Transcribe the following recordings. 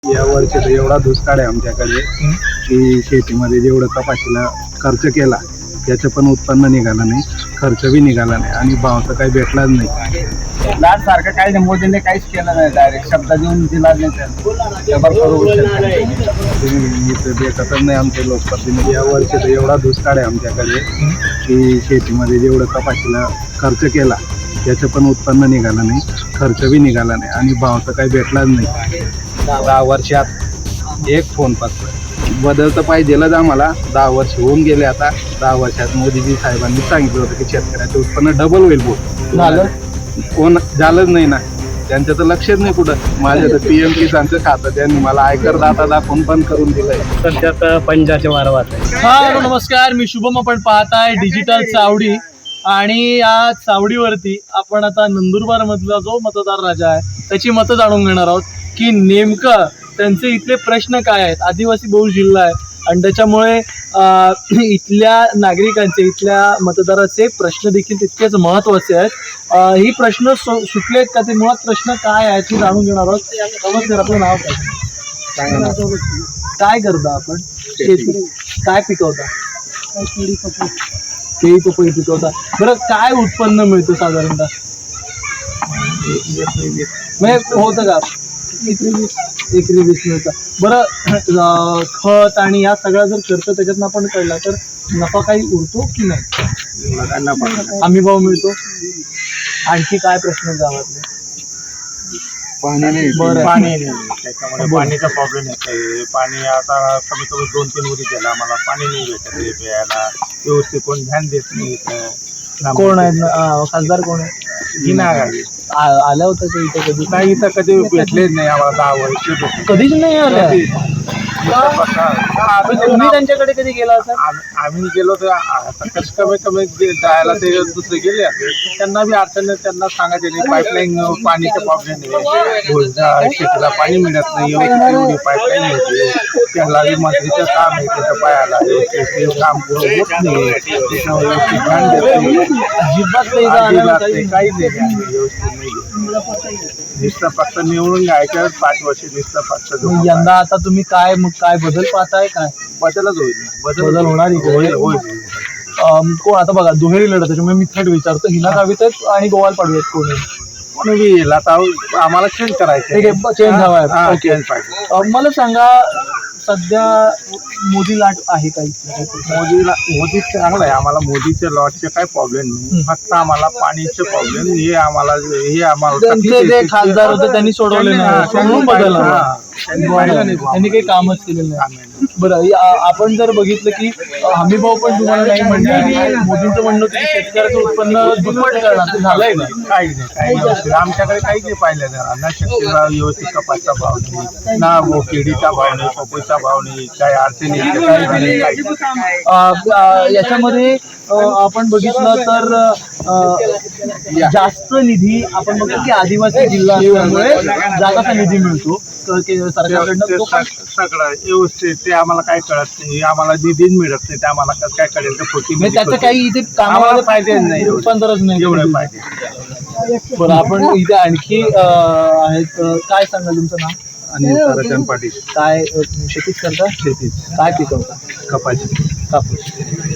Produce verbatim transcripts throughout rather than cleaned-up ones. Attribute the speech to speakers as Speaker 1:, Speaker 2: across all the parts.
Speaker 1: या वर्षी तर एवढा दुष्काळ आहे आमच्याकडे की शेतीमध्ये जेवढं कपाशीला खर्च केला त्याचं पण उत्पन्न निघालं नाही, खर्च बी निघाला नाही आणि भाव तर काही भेटलाच नाही.
Speaker 2: लाट सारखं काही नाही, मोदींनी काहीच केलं नाही, डायरेक्ट शब्द देऊन दिला नाही.
Speaker 1: भेटतच नाही आमचे लोकप्रतिनिधी. या वर्षी तर एवढा दुष्काळ आहे आमच्याकडे की शेतीमध्ये जेवढं कपाशीला खर्च केला त्याचं पण उत्पन्न निघालं नाही, खर्च बी निघाला नाही आणि भाव तर काही भेटलाच नाही. दहा वर्षात एक फोन फक्त बदल तर पाहिजेलच आम्हाला. दहा वर्ष होऊन गेले आता. दहा वर्षात मोदीजी साहेबांनी सांगितलं होतं की शेतकऱ्याचं उत्पन्न डबल होईल. बोल
Speaker 2: झालं
Speaker 1: कोण झालंच नाही ना, त्यांचं तर लक्षच नाही कुठं. माझ्या तर पी एम किसानचं खातं त्यांनी मला आयकर दाता दाखवून बंद करून दिलंय.
Speaker 2: सध्या पंजाचे वारवात.
Speaker 3: हा नमस्कार, मी शुभम. आपण पाहताय डिजिटल चावडी आणि या चावडीवरती आपण आता नंदुरबार मधला जो मतदार राजा आहे त्याची मतं जाणून घेणार आहोत की नेमकं त्यांचे इथले प्रश्न काय आहेत. आदिवासी बहुल जिल्हा आहे आणि त्याच्यामुळे इथल्या नागरिकांचे, इथल्या मतदाराचे प्रश्न देखील तितकेच महत्त्वाचे आहेत. ही प्रश्न सुटलेत का, ते मुळात प्रश्न काय आहेत हे जाणून घेणार आहोत. नमस्कार, आपलं नाव काय? काय करता आपण? शेती काय पिकवता? केळी पपई पिकवता. बरं, काय उत्पन्न मिळतं साधारणतः? म्हणजे होतं का एकरी वीस मिळतं? बरं, खत आणि या सगळा जर खर्च त्याच्यातनं आपण कळला तर नफा काही उरतो की नाही? हमी भाव मिळतो. आणखी काय प्रश्न गावातले?
Speaker 1: पाणी नाही.
Speaker 3: बरं,
Speaker 2: पाणी नाही, त्याच्यामुळे पाणीचा प्रॉब्लेम येतोय. पाणी आता कमी कमी दोन तीन वरी गेला, आम्हाला पाणी नाही भेटत आहे प्यायला. व्यवस्थित कोण ध्यान देत नाही.
Speaker 3: कोण आहेत खासदार? कोण आहे? आल्या होत्या ते इथे कधी?
Speaker 2: नाही, इथं कधी भेटलेच नाही आम्हाला. दहा वर्ष
Speaker 3: कधीच नाही आल्या. तुम्ही त्यांच्याकडे कधी गेला असाल?
Speaker 2: आम्ही गेलो तर आता कसं कमी कमी जायला ते दुसरे गेले असेल, त्यांना बी अडचण नाही. त्यांना सांगायचे नाही, पाईपलाईन पाणीचा प्रॉब्लेम नाही, शेतीला पाणी मिळत नाही, एवढी पाईपलाईन होते. त्याला बी मंत्रीचं काम आहे, त्याच्या पायाला ते काम पुरं होत नाही. त्याच्यावर व्यवस्थित ध्यान देत नाही,
Speaker 3: अजिबात
Speaker 2: काही नाही, व्यवस्थित नाही. नुसतं फक्त निवडून घ्यायचं पाच वर्ष, नुसतं फक्त.
Speaker 3: यंदा आता तुम्ही काय मग काय बदल पाहताय? काय
Speaker 2: बदलच होईल,
Speaker 3: बदल होणार
Speaker 2: होईल होईल.
Speaker 3: कोण आता बघा दुहेरी लढत, त्याच्यामुळे मी थेट विचारतो, हिना गावित आहेत आणि गोवाल पाडवी कोणी?
Speaker 2: कोणी बी येईल. आता आम्हाला चेंज करायचं,
Speaker 3: ठीक आहे, चेंज हवा आहे. ओके,
Speaker 2: चेंज पाहिजे.
Speaker 3: मला सांगा, सध्या मोदी लाट आहे काही?
Speaker 2: मोदीला मोदी चांगला आहे. आम्हाला मोदीच्या लॉटचे काही प्रॉब्लेम नाही, फक्त आम्हाला पाणीचे प्रॉब्लेम हे आम्हाला हे आम्हाला
Speaker 3: त्यांचे जे खासदार होते त्यांनी सोडवले नाही, म्हणून बदलला.
Speaker 2: त्यांनी
Speaker 3: त्यांनी काही कामच केलेलं नाही. बरं, आपण जर बघितलं की हमी भाव पण तुम्हाला नाही म्हणले आणि मोदींचं म्हणणं होतं की शेतकऱ्याचं उत्पन्न दुप्पट करणार, ते झालंय का?
Speaker 2: काही नाही, काही नाही. आमच्याकडे काहीच नाही पाहिलं जाणार ना. शेतीला व्यवस्थित कपासचा भाव नाही ना, केळीचा भाव नाही, पपईचा भाव नाही, काही अडचणी
Speaker 3: याच्यामध्ये आपण बघितलं तर जास्त निधी आपण बघतो की आदिवासी जिल्हा असल्यामुळे जागाचा निधी मिळतो सरकारकडनं.
Speaker 2: सगळं व्यवस्थित ते आम्हाला काय कळत नाही, आम्हाला निधीच मिळत नाही. ते आम्हाला कसं काय कळेल तर खोटी
Speaker 3: त्याचं काही इथे कामाला
Speaker 2: पाहिजे नाही,
Speaker 3: रूपांतरच नाही
Speaker 2: एवढं पाहिजे.
Speaker 3: बरं, आपण इथे आणखी आहेत. काय सांगाल तुमचं नाव?
Speaker 1: आणि ताराचंद पाटील.
Speaker 3: काय शेतीच करता?
Speaker 1: शेतीच.
Speaker 3: काय पिकवता?
Speaker 1: कपाशी.
Speaker 3: कापूस.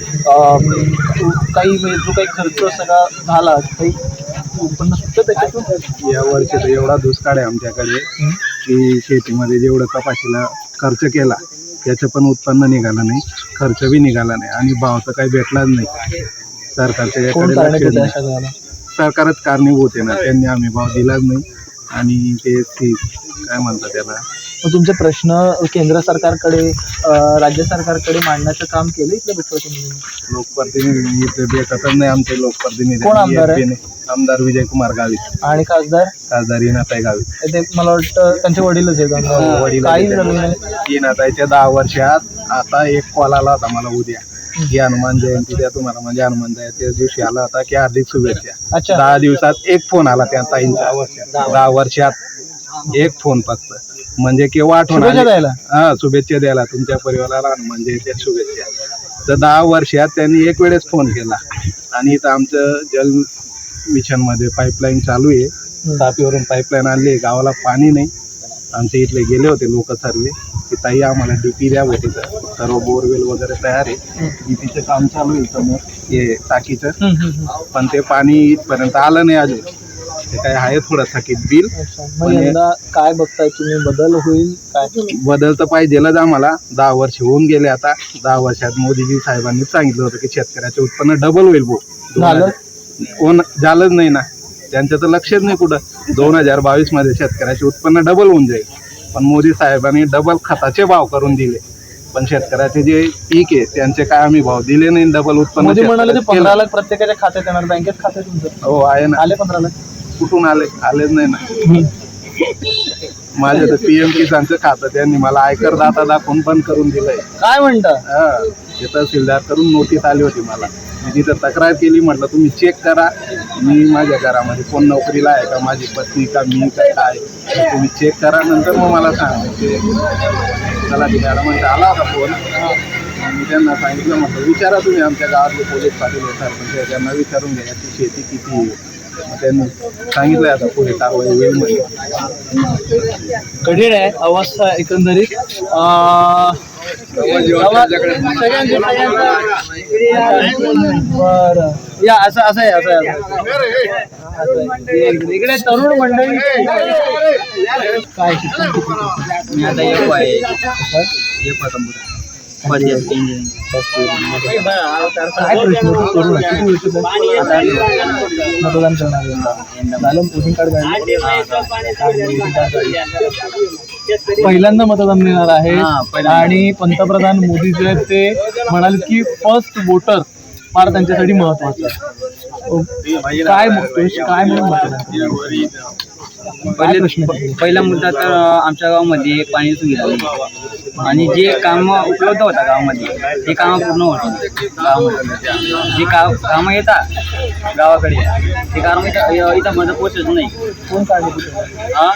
Speaker 3: काही जो काही खर्च सगळा झाला, काही उत्पन्न सुद्धा त्याच्यातून?
Speaker 1: या वर्षी तर एवढा दुष्काळ आहे आमच्याकडे की शेतीमध्ये जेवढं कपाशीला खर्च केला त्याचं पण उत्पन्न निघालं नाही, खर्च बी निघाला नाही आणि भाव तर काही भेटलाच नाही. सरकारच्या याकडे सरकारच कारणीभूत आहे ना, त्यांनी हमी भाव दिलाच नाही. आणि ते काय म्हणतात त्याला,
Speaker 3: तुमचे प्रश्न केंद्र सरकारकडे, राज्य सरकारकडे मांडण्याचं काम केलं इथल्या लोकप्रतिनिधींनी?
Speaker 1: लोकप्रतिनिधी इथे भेटतच नाही आमचे लोकप्रतिनिधी.
Speaker 3: कोण आमदार आहे?
Speaker 1: आमदार विजय कुमार गावित.
Speaker 3: आणि खासदार?
Speaker 1: खासदार इनाताई गावित.
Speaker 3: ते मला वाटतं त्यांचे वडीलच आहेत.
Speaker 1: वडील
Speaker 3: काही झालं नाही.
Speaker 1: इनाताईच्या दहा वर्षात आता एक कॉल आला होता मला उद्या की हनुमान जयंती द्या तुम्हाला, म्हणजे हनुमान जयंती दिवशी आला होता की हार्दिक शुभेच्छा.
Speaker 3: अच्छा,
Speaker 1: दहा दिवसात एक फोन आला त्या ताईंचा. दहा वर्षात एक फोन फक्त, म्हणजे केव्हा आठवण
Speaker 3: द्यायला?
Speaker 1: हा, शुभेच्छा द्यायला तुमच्या परिवाराला हनुमान जयंती शुभेच्छा. तर दहा वर्षात त्यांनी एक वेळेस फोन केला. आणि इथं आमचं जल मिशन मध्ये पाईपलाईन चालू आहे. तापीवरून पाईपलाईन आणली, गावाला पाणी नाही. आमच्या इथले गेले होते लोक सर्वे की ताई आम्हाला डीपी द्या होते सर्व बोरवेल वगैरे तयार आहे, डीपीचं काम चालू आहे समोर हे टाकीचं, पण ते पाणी इथपर्यंत आलं नाही अजून. ते काय आहे थोडं थकीत बिल.
Speaker 3: मग यंदा काय बघताय तुम्ही, बदल होईल काय?
Speaker 1: बदल तर पाहिजेलच आम्हाला. दहा वर्ष होऊन गेले आता. दहा वर्षात मोदीजी साहेबांनी सांगितलं होतं की शेतकऱ्याचे उत्पन्न डबल होईल भाऊ.
Speaker 3: झालं
Speaker 1: कोण झालंच नाही ना, त्यांचं तर लक्षच नाही कुठं. दोन हजार बावीस मध्ये शेतकऱ्याचे उत्पन्न डबल होऊन जाईल, पण मोदी साहेबांनी डबल खताचे भाव करून दिले, पण शेतकऱ्याचे जे पीक आहे त्यांचे काय आम्ही भाव दिले नाही. डबल उत्पन्न
Speaker 3: मोदी म्हणाले ते
Speaker 1: शेतकऱ्याचं
Speaker 3: पंधरा
Speaker 1: केलं.
Speaker 3: लाख प्रत्येकाच्या खात्यात येणार, बँकेत खाते तुमचं
Speaker 1: हो आहे ना.
Speaker 3: आले पंधरा लाख
Speaker 1: कुठून आले? आलेच नाही ना. माझ्या तर पीएम किसानचं खातं त्यांनी मला आयकर दाता दाखवून बंद करून दिलंय.
Speaker 3: काय म्हणता?
Speaker 1: हा, ते तहसीलदार करून नोटीस आली होती मला. मी तिथं तक्रार केली, म्हटलं तुम्ही चेक करा मी माझ्या घरामध्ये कोण नोकरीला आहे का, माझी पत्नी का, मी का काय, तर तुम्ही चेक करा नंतर मग मला सांगा. ते चला ती मॅडमांचा आला होता फोन. मी त्यांना सांगितलं, म्हटलं विचारा तुम्ही आमच्या गावातले पोलीस पाटील येतात म्हणजे त्यांना विचारून घ्या की शेती किती आहे. मग त्यांनी सांगितलं आता पुढे कारवाई होईल म्हणजे.
Speaker 3: कठीण आहे अवस्था एकंदरीत. अं, सगळ्यांचे- सगळ्यांचं- बरं या असं असं आहे असं आहे असं आहे. इकडे तरुण मंडळी काय शिक्षण किती?
Speaker 4: मी आता एक आहे एक कम्प्युटर फर्स्ट इयर इंजिनिअरिंग.
Speaker 3: काय प्रश्न होते? तरुण आहे. किती वर्ष झाली? मतदान करणार आहे यंदा. झालं वोटिंग कार्ड पहिल्यांदा मतदान मिळणार आहे
Speaker 4: हा, पहिल्यांदा.
Speaker 3: आणि पंतप्रधान मोदी जे आहेत ते म्हणाले की फर्स्ट वोटर फार त्यांच्यासाठी महत्वाचं आहे. काय म्हणतोय काय म्हणून मतदान? काय प्रश्न आहे?
Speaker 4: पहिला मुद्दा तर आमच्या गावामध्ये पाणी सुविधा नाही आणि जे काम उपलब्ध होता गावामध्ये ते कामं पूर्ण होती. गावामध्ये जे का कामं येतात गावाकडे ते काम इथं इथं मध्ये पोचत नाही.
Speaker 3: कोण काढले?
Speaker 4: हा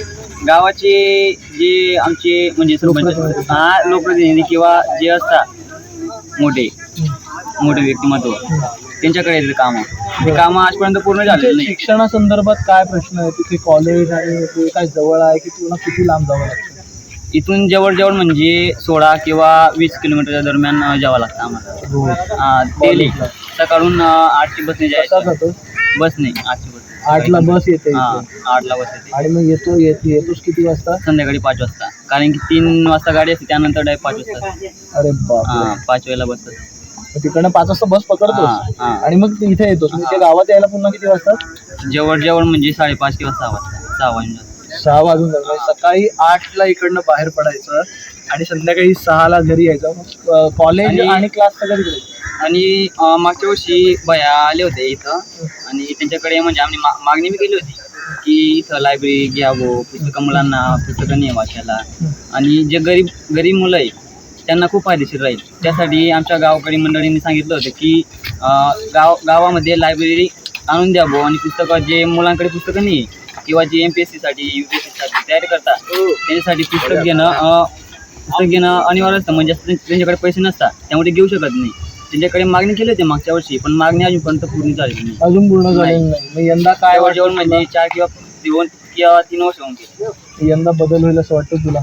Speaker 4: गावाचे जे आमचे म्हणजे सरपंच हा लोकप्रतिनिधी किंवा जे असतात मोठे मोठे व्यक्तिमत्व त्यांच्याकडे येते कामं. ते कामं आजपर्यंत पूर्ण झालेलं नाही.
Speaker 3: शिक्षणासंदर्भात काय प्रश्न आहे? तिथे कॉलेज आणि ते काय जवळ आहे की तुला किती लांब जावं लागतं?
Speaker 4: इथून जवळजवळ म्हणजे सोळा किंवा वीस किलोमीटरच्या दरम्यान जावं लागतं आम्हाला डेली. सकाळून आठची बसने
Speaker 3: कसा
Speaker 4: जायचं.
Speaker 3: जातो?
Speaker 4: बस नाही आठची बस.
Speaker 3: आठला बस येते
Speaker 4: हा
Speaker 3: इथे.
Speaker 4: आठला बस येते.
Speaker 3: आणि मग येतो येत येतोस किती वाजता?
Speaker 4: संध्याकाळी पाच वाजता, कारण की तीन वाजता गाडी असते त्यानंतर डायरेक्ट पाच वाजता.
Speaker 3: अरे बाप
Speaker 4: हा पाच वेळेला बस असते.
Speaker 3: तिकडनं पाच वाजता बस
Speaker 4: हा,
Speaker 3: पकडतोस
Speaker 4: हा.
Speaker 3: आणि मग तू इथे येतोस. म्हणजे गावात यायला पुन्हा किती वाजता?
Speaker 4: जवळ जवळ म्हणजे साडेपाच किंवा सहा वाजता सहा वाजता.
Speaker 3: सहा वाजून जातात. म्हणजे सकाळी आठला इकडनं बाहेर पडायचं आणि संध्याकाळी सहाला घरी यायचं. मग कॉलेज
Speaker 4: आणि-
Speaker 3: आणि क्लास सगळं तिकडे.
Speaker 4: आणि अं, मागच्या वर्षी भया आले होते इथं आणि त्यांच्याकडे म्हणजे आम्ही मा- मागणी बी केली होती की इथं लायब्ररी घ्यावं, पुस्तकं मुलांना पुस्तकं नाही वाचायला आणि जे गरीब गरीब मुलं आहे त्यांना खूप फायदेशीर राहील. त्यासाठी आमच्या गावकरी मंडळींनी सांगितलं होतं की अं, गाव गावामध्ये लायब्ररी आणून द्यावं आणि पुस्तकं जे मुलांकडे पुस्तकं नाही किंवा जे एम पी एस सीसाठी यू पी एस सीसाठी तयारी करतात त्यांच्यासाठी पुस्तक घेणं अं, पुस्तक घेणं अनिवार्य असतं. म्हणजे त्यांच्याकडे पैसे नसतात त्यामुळे ते घेऊ शकत नाही. त्यांच्याकडे मागणी केली होती मागच्या वर्षी, पण मागणी अजूनपर्यंत पूर्ण झालेली नाही.
Speaker 3: अजून पूर्ण झालेलं नाही. मग यंदा काय
Speaker 4: जवळ जवळ म्हणजे चार किंवा दोन किंवा तीन वर्ष होऊन गेले.
Speaker 3: वाटतं? यंदा बदल होईल असं वाटतं तुला?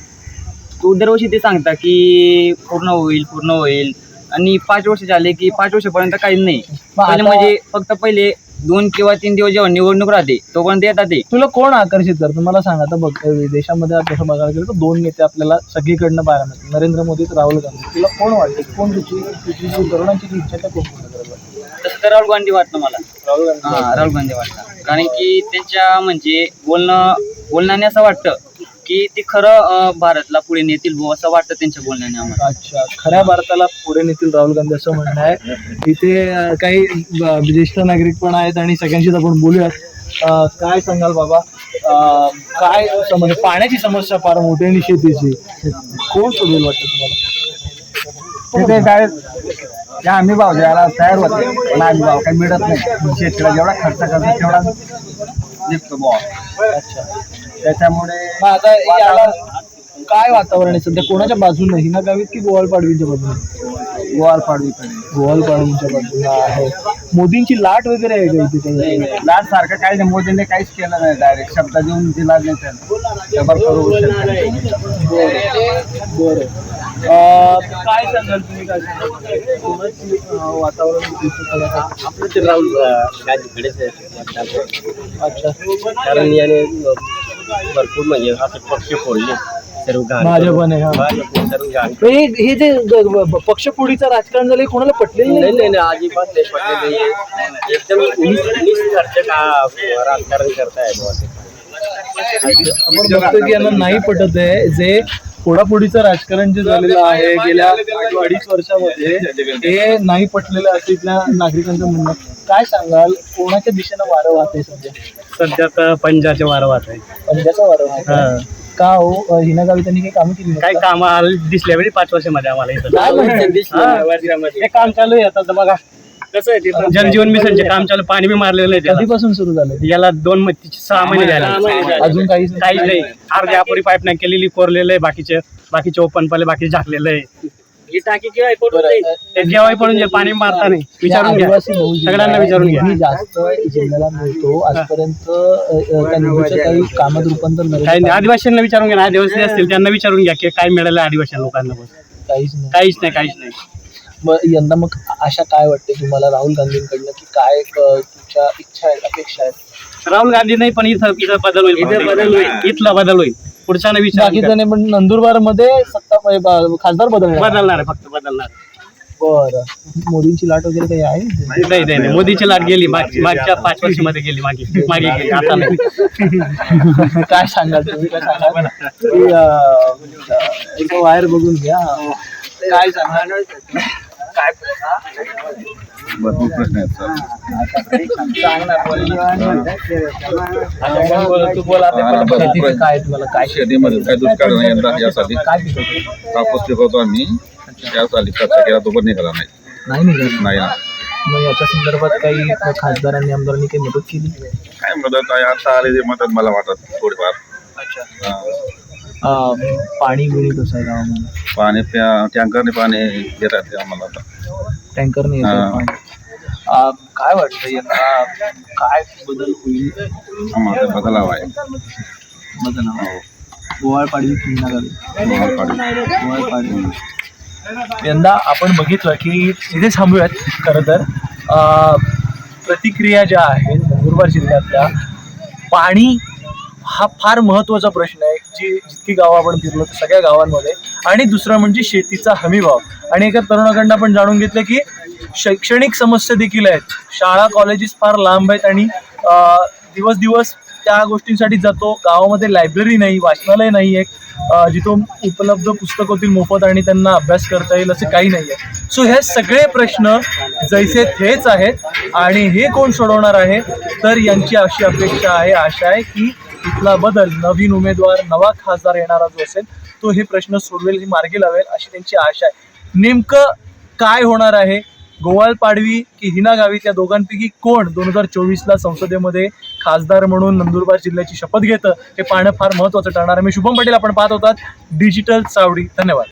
Speaker 4: तो दरवर्षी ते सांगता की पूर्ण होईल पूर्ण होईल आणि पाच वर्ष झाले की पाच वर्षापर्यंत काहीच नाही.
Speaker 3: मग
Speaker 4: पहिले
Speaker 3: आता-
Speaker 4: म्हणजे फक्त पहिले दोन किंवा तीन दिवस जेव्हा निवडणूक राहते तोपर्यंत येतात ते.
Speaker 3: तुला कोण आकर्षित करतं मला सांग. आता बघ देशामध्ये आता तसं बघायला गेलं तर दोन नेते आपल्याला सगळीकडनं पाहायला मिळतात, नरेंद्र मोदी तर राहुल गांधी. तुला कोण वाटते? कोण तुझी तुझी जी तरुणांची जी इच्छा आहे त्या कोण पूर्ण करेल?
Speaker 4: तसं तर राहुल गांधी वाटतं मला.
Speaker 3: राहुल गांधी.
Speaker 4: हा राहुल गांधी वाटतं, कारण की त्यांच्या म्हणजे बोलणं बोलण्याने असं वाटतं की ते खरं अं, भारतला पुढे नेतील भाऊ असं वाटतं त्यांच्या बोलण्याने आम्हाला.
Speaker 3: अच्छा, खऱ्या भारताला पुढे नेतील राहुल गांधी असं म्हणणं आहे. इथे अं, काही अं, ज्येष्ठ नागरिक पण आहेत आणि सगळ्यांशीच आपण बोलूयात. अं, काय सांगाल बाबा? अं, काय समस्या? पाण्याची समस्या फार मोठी आणि शेतीची कोण सोडवेल वाटतं तुम्हाला?
Speaker 2: तिथे काय आम्ही भाव द्यायला तयार होते पण आम्ही भाव काही मिळत नाही. शेतीला जेवढा खर्च करतो तेवढा निघतो भाव.
Speaker 3: अच्छा,
Speaker 2: त्याच्यामुळे
Speaker 3: मग आता याला काय वातावरण आहे सध्या? कोणाच्या बाजूने? हिना गावीत की गोवाल पाडवीच्या बाजूने?
Speaker 2: गोवाल पाडवीकडे.
Speaker 3: गोवाल पाडवीच्या बाजूला आहे. मोदींची लाट वगैरे आहे का इथे काही?
Speaker 2: लाट सारखं काही नाही, मोदींनी काहीच केलं नाही, डायरेक्ट शब्द देऊन दिला नाही त्यांना. शंभर करोड
Speaker 3: बरं. अं, काय सांगाल तुम्ही, काय सांगाल कोणाची, अं, वातावरण दिसतं आहे?
Speaker 5: आपलं ते राहुल गांधीकडेच आहे.
Speaker 3: अच्छा,
Speaker 5: कारण याने भरपूर म्हणजे असे पक्ष फोडले सर्व घाण.
Speaker 3: भाजपने, हा.
Speaker 5: भाजपने सर्व घाण.
Speaker 3: हे हे जे ग- ग- पक्षफोडीचं राजकारण झालं हे कोणाला पटलेलं
Speaker 5: नाही
Speaker 3: नाही.
Speaker 5: नाही नाही, अजिबात नाही पडले नाही. एकदम निस- निष्कर्ष का राजकारण करताय बुवा ते.
Speaker 3: आपण बघतो की यांना नाही पटत आहे जे फोडाफोडीचं राजकारण जे झालेलं आहे गेल्या अडीच वर्षामध्ये, हे नाही पटलेलं असं इथल्या नागरिकांचं म्हणणं. काय सांगाल, कोणाच्या दिशेनं वारं वाहतंय सध्या?
Speaker 5: सध्या तर पंजाचे वारं वाहत आहे.
Speaker 3: पंजाचं वारं वाहतंय का हो? हिना गावी त्यांनी काही कामं केली
Speaker 5: काय काम दिसल्या वेळी पाच वर्षामध्ये आम्हाला इथं
Speaker 3: काय म्हणते?
Speaker 5: हा, वर्षामध्ये. हे काम चालू आहे आता. तर बघा कसं आहे तिथं जलजीवन मिशनचे काम चालू, पाणी बी मारलेलं आहे त्याला.
Speaker 3: कधीपासून सुरू झालं?
Speaker 5: याला दोन म- सहा महिने झाले.
Speaker 3: अजून काहीच
Speaker 5: काहीच नाही. अर्ध्या अपुरी पाईप नाही केलेली, कोरलेलं आहे. बाकीचे बाकीचे ओपन पडले, बाकी झाकलेलं आहे. ही टाकी केव्हा पडून जाईल, ते केव्हाही पडून जाईल. पाणी मारता नाही. विचारून घ्या,
Speaker 3: आदिवासी बहुजन
Speaker 5: सगळ्यांना विचारून घ्या.
Speaker 3: निधी जास्त जिल्ह्याला मिळतो आजपर्यंत. अ, अ, त्या निधीचं काही कामात रूपांतर
Speaker 5: काही
Speaker 3: नाही.
Speaker 5: नाही. आदिवासींना विचारून घ्या ना, आदिवासी असतील त्यांना विचारून घ्या की काय मिळालं आदिवासी लोकांना. बस
Speaker 3: काहीच नाही.
Speaker 5: काहीच नाही, काहीच नाही.
Speaker 3: मग यंदा मग आशा काय वाटते तुम्हाला राहुल गांधींकडनं, की काय अ, तुमच्या इच्छा आहेत, अपेक्षा आहेत?
Speaker 5: राहुल गांधी नाही, पण इथं इथं बदल होईल. इथं बदल होईल. इथला बदल होईल. पुढच्या विचार
Speaker 3: बाकीचं नाही, पण नंदुरबार मध्ये सत्ता ब- खासदार बदलणार.
Speaker 5: बदलणार आहे, फक्त बदलणार.
Speaker 3: बरं. मोदींची लाट वगैरे काही आहे?
Speaker 5: नाही नाही नाही, मोदीची लाट गेली. माग- मागच्या पाच वर्षामध्ये गेली, मागे मागे गेली, आता नाही.
Speaker 3: काय सांगाल तुम्ही, काय सांगाल की अ, एक वायर बघून घ्या. काय सांगाल? काय
Speaker 1: भरपूर प्रश्न आहेत सर.
Speaker 3: तू बोला शेतीचं काय तुम्हाला काय
Speaker 6: शेतीमध्ये काय दुष्काळ नाही यंदा यासाठी
Speaker 3: काय पिकवतो?
Speaker 6: कापूस पिकवतो आम्ही. यासाठी खर्च केला तो पण निघाला नाही.
Speaker 3: नाही निघाल.
Speaker 6: नाही ना.
Speaker 3: मग याच्या संदर्भात काही खासदारांनी आमदारांनी काही मदत केली?
Speaker 6: काय मदत आहे आता आले ते मदत मला वाटत थोडीफार. हा.
Speaker 3: अं, पाणी बिणी कसं आहे गावामध्ये?
Speaker 6: पाणी प्या टँकरने पाणी देतात ते आम्हाला आता.
Speaker 3: टँकरने येतं
Speaker 6: हा.
Speaker 3: पाणी. अं, काय वाटतं यंदा काय बदल होईल?
Speaker 6: आम्हाला बदल हवा आहे.
Speaker 3: बदल गोवाळ पाडवी किंवा गावी
Speaker 6: गोवाळ पाडवी.
Speaker 3: गोवाळ पाडवी. यंदा आपण बघितलं की इथे थांबूयात. खरं तर अं, प्रतिक्रिया ज्या आहेत नंदुरबार जिल्ह्यातल्या, पाणी हा फार महत्त्वाचा प्रश्न आहे. जी जितकी गावं आपण फिरलो तर सगळ्या गावांमध्ये. आणि दुसरं म्हणजे शेतीचा हमीभाव. आणि एका तरुणाकडनं आपण जाणून घेतलं की शैक्षणिक समस्या देखील आहेत. शाळा कॉलेजेस फार लांब आहेत आणि अं, दिवस दिवस त्या गोष्टींसाठी जातो. गावामध्ये लायब्ररी नाही, वाचनालय नाही आहे जिथून उपलब्ध पुस्तक होतील मोफत आणि त्यांना अभ्यास करता येईल असं काही नाही आहे. सो हे सगळे प्रश्न जैसे थेच आहेत. आणि हे कोण सोडवणार आहे, तर यांची अशी अपेक्षा आहे, आशा आहे की इथला बदल, नवीन उमेदवार, नवा खासदार येणारा जो असेल तो हे प्रश्न सोडवेल, हे मार्गी लावेल अशी त्यांची आशा आहे. नेमकं काय होणार आहे, गोवाळ पाडवी की हिना गावित, या दोघांपैकी कोण दोन हजार चोवीसला संसदेमध्ये खासदार म्हणून नंदुरबार जिल्ह्याची शपथ घेतं हे पाहणं फार महत्त्वाचं ठरणार आहे. मी शुभम पटेल, आपण पाहत होतात डिजिटल चावडी. धन्यवाद.